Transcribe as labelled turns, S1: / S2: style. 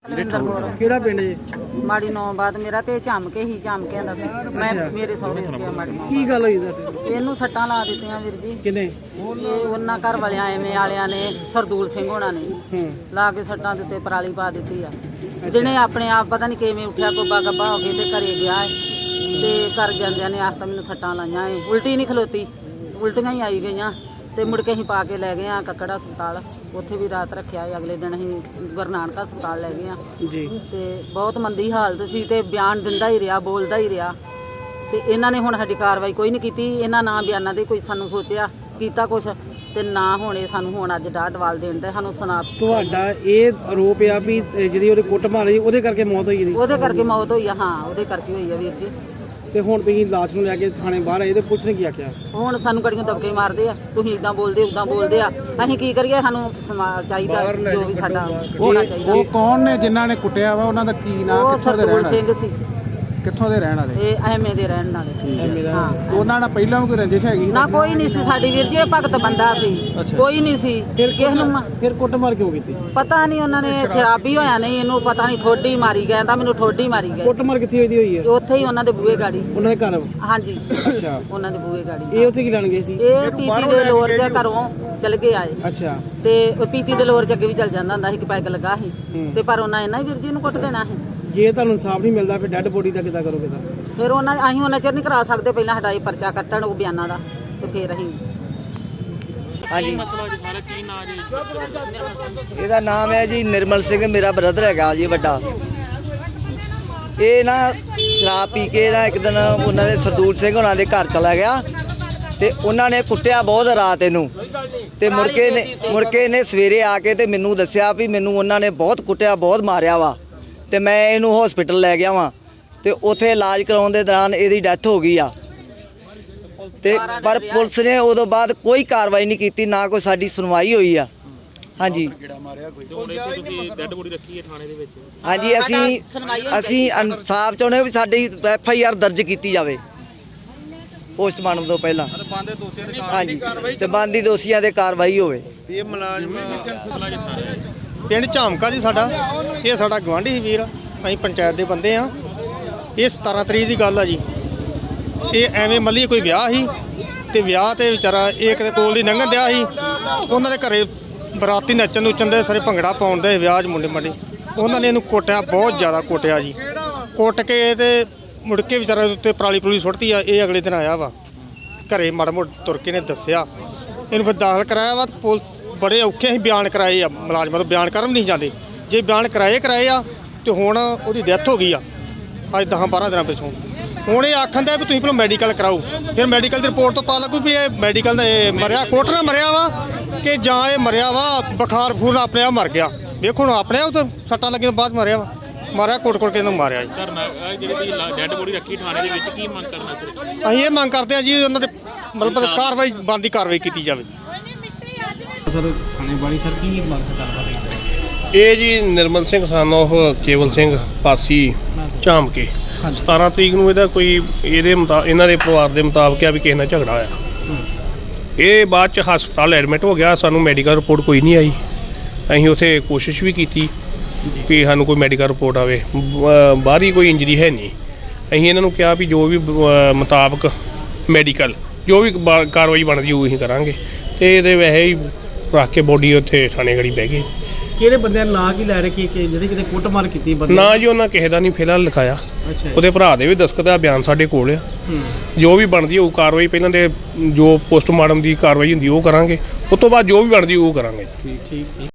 S1: ਨਰਿੰਦਰ ਕੌਰ
S2: ਕਿਹੜਾ ਪਿੰਡ ਜੀ?
S1: ਮਾੜੀ 9 ਬਾਅਦ ਮੇਰਾ ਤੇ ਝਮਕੇ ਹੀ ਝਮਕਿਆਂ ਦਾ ਸੀ। ਮੈਂ ਮੇਰੇ ਸਹੁਰੇ ਉੱਥੇ ਆ ਮਾੜੀ 9
S2: ਕੀ ਗੱਲ ਹੋਈ ਤੁਹਾਡੇ?
S1: ਇਹਨੂੰ ਸੱਟਾਂ ਲਾ ਦਿੱਤੀਆਂ ਵੀਰ ਜੀ।
S2: ਕਿਨੇ?
S1: ਇਹ ਉਹਨਾਂ ਘਰ ਵਾਲਿਆਂ ਐਵੇਂ ਵਾਲਿਆਂ ਨੇ ਸਰਦੂਲ ਸਿੰਘ ਹੋਣਾ ਨੇ ਲਾ ਕੇ ਸੱਟਾਂ ਦੇ ਉੱਤੇ ਪਰਾਲੀ ਪਾ ਦਿੱਤੀ ਆ। ਜਿਹਨੇ ਆਪਣੇ ਆਪ ਪਤਾ ਨਹੀਂ ਕਿਵੇਂ ਉੱਠਿਆ ਕੋਬਾ ਗੱਬਾ ਹੋ ਕੇ ਤੇ ਘਰੇ ਗਿਆ ਤੇ ਘਰ ਜਾਂਦਿਆਂ ਨੇ ਆਖਤਾ ਮੈਨੂੰ ਸੱਟਾਂ ਲਾਈਆਂ ਏ। ਉਲਟੀ ਨਹੀਂ ਖਲੋਤੀ, ਉਲਟੀਆਂ ਹੀ ਆਈ ਗਈਆਂ ਤੇ ਮੁੜ ਕੇ ਅਸੀਂ ਪਾ ਕੇ ਲੈ ਗਏ ਆ ਕੱਕੜ ਹਸਪਤਾਲ। ਉੱਥੇ ਵੀ ਰਾਤ ਰੱਖਿਆ। ਅਗਲੇ ਦਿਨ ਅਸੀਂ ਗੁਰੂ ਨਾਨਕ ਹਸਪਤਾਲ ਲੈ ਗਏ ਆ
S2: ਜੀ।
S1: ਤੇ ਬਹੁਤ ਮੰਦੀ ਹਾਲਤ ਸੀ ਤੇ ਬਿਆਨ ਦਿੰਦਾ ਹੀ ਰਿਹਾ, ਬੋਲਦਾ ਹੀ ਰਿਹਾ ਤੇ ਇਹਨਾਂ ਨੇ ਹੁਣ ਸਾਡੀ ਕਾਰਵਾਈ ਕੋਈ ਨਹੀਂ ਕੀਤੀ। ਇਹਨਾਂ ਨਾ ਬਿਆਨਾਂ ਦੇ ਕੋਈ ਸਾਨੂੰ ਸੋਚਿਆ ਕੀਤਾ ਕੁਛ ਤੇ ਨਾ ਹੋਣੇ ਸਾਨੂੰ ਹੁਣ ਅੱਜ ਡਾਹ ਡਵਾਲ ਦੇਣ ਤੇ ਸਾਨੂੰ ਸੁਣਾ।
S2: ਤੁਹਾਡਾ ਇਹ ਆਰੋਪ ਆ ਵੀ ਜਿਹੜੀ ਉਹਦੇ ਕੁੱਟ ਮਾਰੀ ਉਹਦੇ ਕਰਕੇ ਮੌਤ ਹੋਈ ਜੀ?
S1: ਉਹਦੇ ਕਰਕੇ ਮੌਤ ਹੋਈ ਆ। ਹਾਂ, ਉਹਦੇ ਕਰਕੇ ਹੋਈ ਆ ਵੀਰ ਜੀ।
S2: ਤੇ ਹੁਣ ਤੁਸੀਂ ਲਾਸ਼ ਨੂੰ ਲੈ ਕੇ ਥਾਣੇ ਬਾਹਰ ਆਏ ਤੇ ਪੁਲਿਸ ਨੇ ਕੀ ਆਖਿਆ? ਹੁਣ
S1: ਸਾਨੂੰ ਗੜੀਆਂ ਦਬਕੇ ਮਾਰਦੇ ਆ, ਤੁਸੀਂ ਇਦਾਂ ਬੋਲਦੇ ਉਦਾਂ ਬੋਲਦੇ ਆ। ਅਸੀਂ ਕੀ ਕਰੀਏ? ਸਾਨੂੰ ਚਾਹੀਦਾ ਜੋ ਵੀ ਸਾਡਾ ਹੋਣਾ ਚਾਹੀਦਾ।
S3: ਉਹ ਕੌਣ ਨੇ ਜਿਨ੍ਹਾਂ ਨੇ ਕੁੱਟਿਆ ਵਾ? ਉਹਨਾਂ ਦਾ ਕੀ ਨਾਮ?
S1: ਉਹ ਸਰਦੂਲ ਸਿੰਘ ਸੀ।
S3: ਕਿੱਥੋਂ ਦੇ ਰਹਿਣ ਵਾਲੇ?
S1: ਇਹ ਐਵੇਂ ਦੇ ਰਹਿਣ ਵਾਲੇ। ਹਾਂ,
S3: ਉਹਨਾਂ ਨਾਲ ਪਹਿਲਾਂ ਵੀ ਕੋਈ ਰੰਜਿਸ਼ ਹੈਗੀ?
S1: ਨਾ ਕੋਈ ਨਹੀਂ ਸੀ ਸਾਡੀ ਵੀਰ ਜੀ। ਇਹ ਭਗਤ ਬੰਦਾ ਸੀ, ਕੋਈ ਨਹੀਂ ਸੀ। ਕਿਸ ਨੂੰ
S2: ਫਿਰ ਕੁੱਟ ਮਾਰ ਕਿਉਂ ਕੀਤੀ?
S1: ਪਤਾ ਨਹੀਂ, ਉਹਨਾਂ ਨੇ ਸ਼ਰਾਬੀ ਹੋਇਆ ਨਹੀਂ, ਇਹਨੂੰ ਪਤਾ ਨਹੀਂ ਠੋਡੀ ਮਾਰੀ ਗਏ ਤਾਂ ਮੈਨੂੰ ਠੋਡੀ ਮਾਰੀ ਗਏ।
S2: ਕੁੱਟ ਮਾਰ ਕਿੱਥੇ ਹੋਈ ਹੈ?
S1: ਉੱਥੇ ਹੀ ਉਹਨਾਂ ਦੇ ਬੂਹੇ ਗਾੜੀ।
S2: ਉਹਨਾਂ ਦੇ ਘਰ?
S1: ਹਾਂਜੀ,
S2: ਅੱਛਾ।
S1: ਉਹਨਾਂ ਦੇ ਬੂਹੇ ਗਾੜੀ।
S2: ਇਹ ਉੱਥੇ ਕੀ ਲੈਣ ਗਏ ਸੀ?
S1: ਇਹ ਪੀਤੀ ਦੇ ਲੋਰ ਦੇ ਘਰੋਂ ਚਲ ਕੇ ਆਏ।
S2: ਅੱਛਾ।
S1: ਤੇ ਉਹ ਪੀਤੀ ਦੇ ਲੋਰ ਚ ਅੱਗੇ ਵੀ ਚੱਲ ਜਾਂਦਾ ਹੁੰਦਾ ਸੀ ਕਿ ਪੈਗ ਲੱਗਾ ਸੀ ਤੇ ਪਰ ਉਹਨਾਂ ਇਹਨਾਂ ਹੀ ਵੀਰ ਜੀ ਨੂੰ ਕੁੱਟ ਦੇਣਾ ਸੀ।
S2: ਜੇ ਤੁਹਾਨੂੰ ਇਨਸਾਫ ਨਹੀਂ ਮਿਲਦਾ ਫਿਰ ਡੈੱਡ ਬੋਡੀ ਦਾ ਕਿੱਦਾਂ ਕਰੋਗੇ? ਤਾਂ
S1: ਫਿਰ ਅਸੀਂ ਉਹਨਾਂ ਚਿਰ ਨਹੀਂ ਕਰਾ ਸਕਦੇ। ਪਹਿਲਾਂ ਸਾਡਾ ਇਹ ਪਰਚਾ ਕੱਟਣ ਉਹ ਬਿਆਨਾਂ ਦਾ ਤੇ ਫਿਰ ਅਸੀਂ।
S4: ਹਾਂਜੀ, ਇਹਦਾ ਨਾਮ ਹੈ ਜੀ ਨਿਰਮਲ ਸਿੰਘ। ਮੇਰਾ ਬ੍ਰਦਰ ਹੈਗਾ ਜੀ ਵੱਡਾ। ਇਹ ਨਾ ਸ਼ਰਾਬ ਪੀ ਕੇ ਨਾ ਇੱਕ ਦਿਨ ਉਹਨਾਂ ਦੇ ਸਰਦੂਲ ਸਿੰਘ ਉਹਨਾਂ ਦੇ ਘਰ ਚਲਾ ਗਿਆ ਤੇ ਉਹਨਾਂ ਨੇ ਕੁੱਟਿਆ ਬਹੁਤ ਰਾਤ ਇਹਨੂੰ ਤੇ ਮੁੜ ਕੇ ਇਹਨੇ ਸਵੇਰੇ ਆ ਕੇ ਤੇ ਮੈਨੂੰ ਦੱਸਿਆ ਵੀ ਮੈਨੂੰ ਉਹਨਾਂ ਨੇ ਬਹੁਤ ਕੁੱਟਿਆ, ਬਹੁਤ ਮਾਰਿਆ ਵਾ ਤੇ ਮੈਂ ਇਹਨੂੰ ਹਸਪੀਟਲ ਲੈ ਗਿਆ ਵਾਂ ਤੇ ਉੱਥੇ ਇਲਾਜ ਕਰਾਉਣ ਦੇ ਦੌਰਾਨ ਇਹਦੀ ਡੈਥ ਹੋ ਗਈ ਆ। ਤੇ ਪਰ ਪੁਲਿਸ ਨੇ ਉਦੋਂ ਬਾਅਦ ਕੋਈ ਕਾਰਵਾਈ ਨਹੀਂ ਕੀਤੀ, ਨਾ ਕੋਈ ਸਾਡੀ ਸੁਣਵਾਈ ਹੋਈ ਆ। ਹਾਂਜੀ ਹਾਂਜੀ, ਅਸੀਂ ਇਨਸਾਫ ਚਾਹੁੰਦੇ ਵੀ ਸਾਡੀ FIR ਦਰਜ ਕੀਤੀ ਜਾਵੇ ਪੋਸਟਮਾਰਟਮ ਤੋਂ ਪਹਿਲਾਂ। ਹਾਂਜੀ, ਤੇ ਬਣਦੀ ਦੋਸ਼ੀਆਂ ਤੇ ਕਾਰਵਾਈ ਹੋਵੇ।
S5: ਇਹ ਮੁਲਾਜ਼ਮ ਪਿੰਡ ਝਾਮਕਾ ਜੀ ਸਾਡਾ। ਇਹ ਸਾਡਾ ਗਵਾਂਢੀ ਸੀ ਵੀਰ, ਅਸੀਂ ਪੰਚਾਇਤ ਦੇ ਬੰਦੇ ਆ। ਇਹ 17 ਤਰੀਕ ਦੀ ਗੱਲ ਆ ਜੀ। ਇਹ ਐਵੇਂ ਮੱਲੀ ਕੋਈ ਵਿਆਹ ਸੀ ਤੇ ਵਿਆਹ ਤੇ ਵਿਚਾਰਾ ਇਹ ਕਿਤੇ ਕੋਲ ਦੀ ਲੰਘਣ ਦਿਆ ਸੀ। ਉਹਨਾਂ ਦੇ ਘਰੇ ਬਰਾਤੀ ਨੱਚਣ ਨੁੱਚਣ ਦੇ ਸਾਰੇ ਭੰਗੜਾ ਪਾਉਣ ਦੇ ਵਿਆਹ 'ਚ ਮੁੰਡੇ ਮੰਡੇ। ਉਹਨਾਂ ਨੇ ਇਹਨੂੰ ਕੁੱਟਿਆ, ਬਹੁਤ ਜ਼ਿਆਦਾ ਕੁੱਟਿਆ ਜੀ। ਕੁੱਟ ਕੇ ਤੇ ਮੁੜ ਕੇ ਵਿਚਾਰਾ ਉੱਤੇ ਪਰਾਲੀ ਪਰੂਲੀ ਸੁੱਟਤੀ ਆ। ਇਹ ਅਗਲੇ ਦਿਨ ਆਇਆ ਵਾ ਘਰੇ, ਮਾੜਾ ਮੋਟਾ ਤੁਰ ਕੇ ਨੇ ਦੱਸਿਆ। ਇਹਨੂੰ ਫਿਰ ਦਾਖਲ ਕਰਾਇਆ ਵਾ। ਪੁਲਿਸ ਬੜੇ ਔਖੇ ਅਸੀਂ ਬਿਆਨ ਕਰਾਏ ਆ, ਮੁਲਾਜ਼ਮਾਂ ਤੋਂ ਬਿਆਨ ਕਰਨ ਨਹੀਂ ਜਾਂਦੇ। ਜੇ ਬਿਆਨ ਕਰਾਏ ਆ ਤੇ ਹੁਣ ਉਹਦੀ ਡੈਥ ਹੋ ਗਈ ਆ ਅੱਜ 10-12 ਦਿਨਾਂ ਪਿੱਛੋਂ। ਹੁਣ ਇਹ ਆਖਣ ਦਾ ਵੀ ਤੁਸੀਂ ਪਹਿਲਾਂ ਮੈਡੀਕਲ ਕਰਾਓ, ਫਿਰ ਮੈਡੀਕਲ ਦੀ ਰਿਪੋਰਟ ਤੋਂ ਪਤਾ ਲੱਗੂ ਵੀ ਇਹ ਮੈਡੀਕਲ ਦਾ ਮਰਿਆ, ਕੋਟ ਨਾਲ ਮਰਿਆ ਵਾ ਕਿ ਜਾਂ ਇਹ ਮਰਿਆ ਵਾ ਬੁਖਾਰ ਬਖੂਰ ਆਪਣੇ ਆਪ ਮਰ ਗਿਆ। ਵੇਖੋ ਹੁਣ ਆਪਣੇ ਆਪ ਤਾਂ ਸੱਟਾਂ ਲੱਗੀਆਂ ਬਾਅਦ ਮਰਿਆ ਵਾ। ਮਾਰਿਆ ਕੋਟ ਕੇ ਇਹਨੂੰ ਮਾਰਿਆ ਜੀ।
S6: ਡੈਡ ਬੋਡੀ ਰੱਖੀ ਥਾਣੇ ਦੇ ਵਿੱਚ, ਕੀ ਮੰਗ ਕਰਨਾ?
S5: ਅਸੀਂ ਇਹ ਮੰਗ ਕਰਦੇ ਹਾਂ ਜੀ ਉਹਨਾਂ ਦੇ ਮਤਲਬ ਕਾਰਵਾਈ ਬਣਦੀ ਕਾਰਵਾਈ ਕੀਤੀ ਜਾਵੇ।
S3: ਸਰ ਥਾਣੇ ਵਾਲੀ ਸਰ ਕੀ ਮੰਗ ਕਰਦਾ?
S6: ਇਹ ਜੀ ਨਿਰਮਲ ਸਿੰਘ ਸਨ ਉਹ ਕੇਵਲ ਸਿੰਘ ਪਾਸੀ ਝਾਮਕੇ। 17 ਤਰੀਕ ਨੂੰ ਇਹਦਾ ਕੋਈ ਇਹਨਾਂ ਦੇ ਪਰਿਵਾਰ ਦੇ ਮੁਤਾਬਕ ਆ ਵੀ ਕਿਸੇ ਨਾਲ ਝਗੜਾ ਹੋਇਆ। ਇਹ ਬਾਅਦ ਚ ਹਸਪਤਾਲ ਐਡਮਿਟ ਹੋ ਗਿਆ। ਸਾਨੂੰ ਮੈਡੀਕਲ ਰਿਪੋਰਟ ਕੋਈ ਨਹੀਂ ਆਈ। ਅਸੀਂ ਉੱਥੇ ਕੋਸ਼ਿਸ਼ ਵੀ ਕੀਤੀ ਕਿ ਸਾਨੂੰ ਕੋਈ ਮੈਡੀਕਲ ਰਿਪੋਰਟ ਆਵੇ, ਬਾਹਰੀ ਕੋਈ ਇੰਜਰੀ ਹੈ ਨਹੀਂ। ਅਸੀਂ ਇਹਨਾਂ ਨੂੰ ਕਿਹਾ ਵੀ ਜੋ ਵੀ ਮੁਤਾਬਕ ਮੈਡੀਕਲ ਜੋ ਵੀ ਕਾਰਵਾਈ ਬਣਦੀ ਉਹ ਅਸੀਂ ਕਰਾਂਗੇ। ਤੇ ਇਹਦੇ ਵੈਸੇ ਹੀ ਰੱਖ ਕੇ ਬੋਡੀ ਉੱਥੇ ਥਾਣੇ ਗੜੀ ਬਹਿ ਗਈ।
S2: ਕਿਹੜੇ ਬੰਦਿਆਂ ਨਾਂ ਕੀ ਲੈ ਰਹੇ ਕਿ ਜਿਹੜੇ ਕਿਤੇ ਕੁੱਟਮਾਰ ਕੀਤੀ?
S6: ਨਾ ਜੀ ਉਹਨਾਂ ਕਿਸੇ ਦਾ ਨਹੀਂ ਫਿਲਹਾਲ ਲਿਖਾਇਆ। ਉਹਦੇ ਭਰਾ ਦੇ ਵੀ ਦਸਤਖਤ ਆ, ਬਿਆਨ ਸਾਡੇ ਕੋਲ ਆ। ਜੋ ਵੀ ਬਣਦੀ ਉਹ ਕਾਰਵਾਈ ਪਹਿਲਾਂ ਦੇ ਜੋ ਪੋਸਟਮਾਰਟਮ ਦੀ ਕਾਰਵਾਈ ਹੁੰਦੀ ਉਹ ਕਰਾਂਗੇ, ਉਸ ਤੋਂ ਬਾਅਦ ਜੋ ਵੀ ਬਣਦੀ ਉਹ ਕਰਾਂਗੇ।
S2: ਠੀਕ।